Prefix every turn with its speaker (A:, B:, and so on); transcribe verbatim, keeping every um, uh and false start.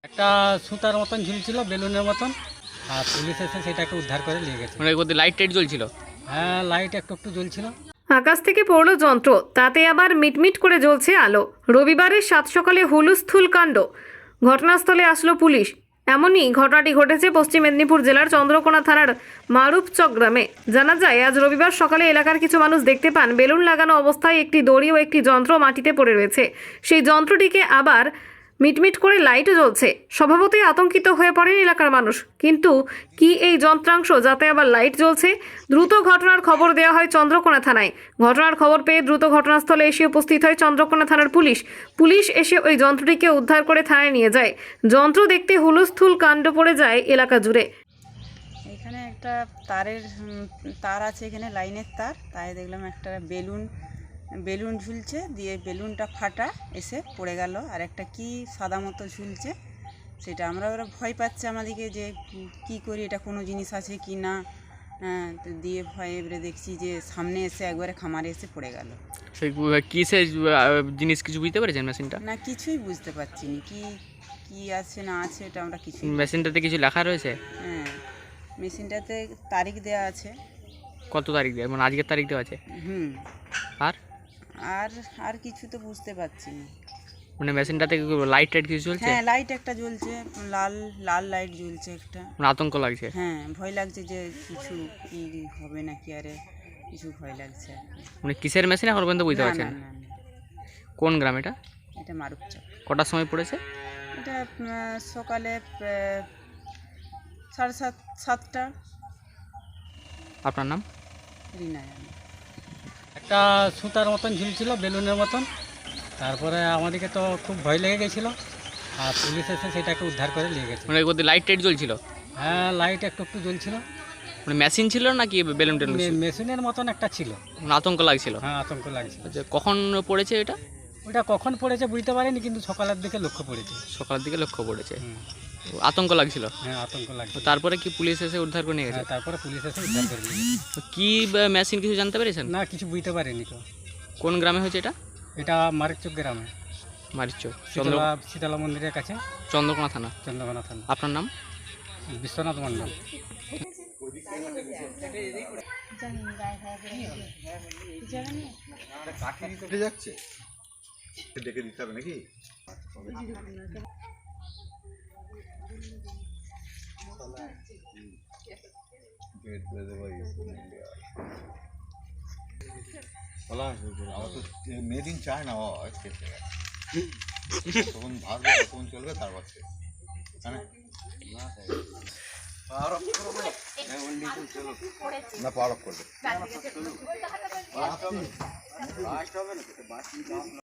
A: একটা সুতার মতন ঝুলছিল বেলুনের মতন, আর পুলিশ এসে সেটাকে উদ্ধার করে নিয়ে গেছে।
B: মানে ওদের লাইট টাইট জ্বলছিল?
A: হ্যাঁ, লাইট একটু একটু জ্বলছিল।
C: আকাশ থেকে পড়ল যন্ত্র, তাতে আবার মিটমিট করে জ্বলছে আলো। রবিবারের সাত সকালে হুলস্থুল কাণ্ড। ঘটনাস্থলে আসলো পুলিশ। এমনই ঘটনাটি ঘটেছে পশ্চিম মেদিনীপুর জেলার চন্দ্রকোনা থানার মারুপচক গ্রামে। জানা যায়, আজ রবিবার সকালে এলাকার কিছু মানুষ দেখতে পান বেলুন লাগানো অবস্থায় একটি দড়ি ও একটি যন্ত্র মাটিতে পড়ে রয়েছে। সেই যন্ত্রটিকে আবার মিটমিট করে লাইটও জ্বলছে। স্বভাবতই আতঙ্কিত হয়ে পড়েন এলাকার মানুষ। কিন্তু কি এই যন্ত্রাংশ যাতে আবার লাইট জ্বলছে? দ্রুত ঘটনার খবর দেওয়া হয় চন্দ্রকোনা থানায়। ঘটনার খবর পেয়ে দ্রুত ঘটনাস্থলে এসে উপস্থিত হয় চন্দ্রকোনা থানার পুলিশ। পুলিশ এসে ওই যন্ত্রটিকে উদ্ধার করে থানায় নিয়ে যায়। যন্ত্র দেখতে হুলস্থুল কাণ্ড পড়ে যায় এলাকা জুড়ে।
D: এখানে একটা তারের উম, তার আছে, এখানে লাইনের তার, তাই দেখলাম একটা বেলুন বেলুন ঝুলছে, দিয়ে বেলুনটা ফাটা এসে পড়ে গেল। আর একটা কি সাদা মতো ঝুলছে, সেটা আমরা ওরা ভয় পাচ্ছে আমাদেরকে যে উম, কি করি, এটা কোনো জিনিস আছে কি না। হ্যাঁ, তো দিয়ে ভয় এবারে দেখছি যে সামনে এসে একবারে খামারে এসে পড়ে গেল।
B: সেই কিসের জিনিস কিছু বুঝতে পেরেছেন মেশিনটা?
D: না, কিছুই বুঝতে পারছি না কি কি আছে না আছে, এটা আমরা কিছুই।
B: মেশিনটাতে কিছু লেখা রয়েছে?
D: হ্যাঁ, মেশিনটাতে তারিখ দেওয়া আছে।
B: কত তারিখ দেওয়া, মানে আজকের তারিখ দেওয়া আছে?
D: হুম।
B: আর
D: আর আর কিছু তো বুঝতে পারছি না।
B: মানে মেশিনটাতে লাইট টাইট কিছু চলছে?
D: হ্যাঁ, লাইট একটা জ্বলছে, লাল লাল লাইট জ্বলছে একটা।
B: মানে আতঙ্ক লাগছে?
D: হ্যাঁ, ভয় লাগছে যে কিছু কি হবে নাকি, আরে কিছু ভয় লাগছে আর কি।
B: মানে কিসের মেশিন এখন পর্যন্ত বুঝতে
D: না,
B: পারছেন?
D: না, না, না,
B: কোন গ্রাম এটা?
D: এটা মারুপচক।
B: কটার সময় পড়েছে?
D: এটা আহ, সকালে আহ, সাড়ে সাত সাতটা।
B: আপনার নাম?
D: রিনা জানে।
A: একটা সুতার মতন ঝুলছিল বেলুনের মতন, তারপরে আমাদেরকে তো খুব ভয় লেগে গেছিলো, আর পুলিশ এসে সেটাকে উদ্ধার করে নিয়ে গেছে।
B: মানে ওদের লাইট টাইট জ্বলছিল?
A: হ্যাঁ, লাইট একটু একটু জ্বলছিল।
B: মানে মেশিন ছিল নাকি বেলুন টেলুন?
A: মে- মেশিনের মতন একটা ছিল।
B: মানে আতঙ্ক লাগছিল?
A: হ্যাঁ, আতঙ্ক লাগছিল।
B: আচ্ছা, কখন পড়েছে এটা?
A: ওটা কখন পড়েছে বুঝতে পারিনি, কিন্তু সকালের দিকে লক্ষ্য পড়েছে।
B: সকালের দিকে লক্ষ্য পড়েছে।
A: হুম,
B: তো আতঙ্ক লাগছিল?
A: হ্যাঁ, আতঙ্ক
B: তো
A: লাগছিল।
B: তারপরে কি পুলিশ এসে উদ্ধার করে নিয়ে গেছে?
A: হ্যাঁ, তারপরে পুলিশ এসে উদ্ধার করে নিয়ে গেছে।
B: তো কি মেশিন কিছু জানতে পেরেছেন?
A: না, কিছু বুঝতে পারিনি তো।
B: কোন গ্রামে হয়েছে এটা?
A: এটা মারিচক গ্রামে,
B: মারিচক, চন্দ্র
A: শীতলা শীতলা মন্দিরের কাছে,
B: চন্দ্রকোনা থানা।
A: চন্দ্রকোনা থানা।
B: আপনার নাম?
A: বিশ্বনাথ মণ্ডল।
E: উঠে যাচ্ছে, দেখে দিতে হবে নাকি? আমার তো মেড ইন চায় না, তখন ভাববে তখন চলবে, তারপর না পাওয়ার অফ করবে।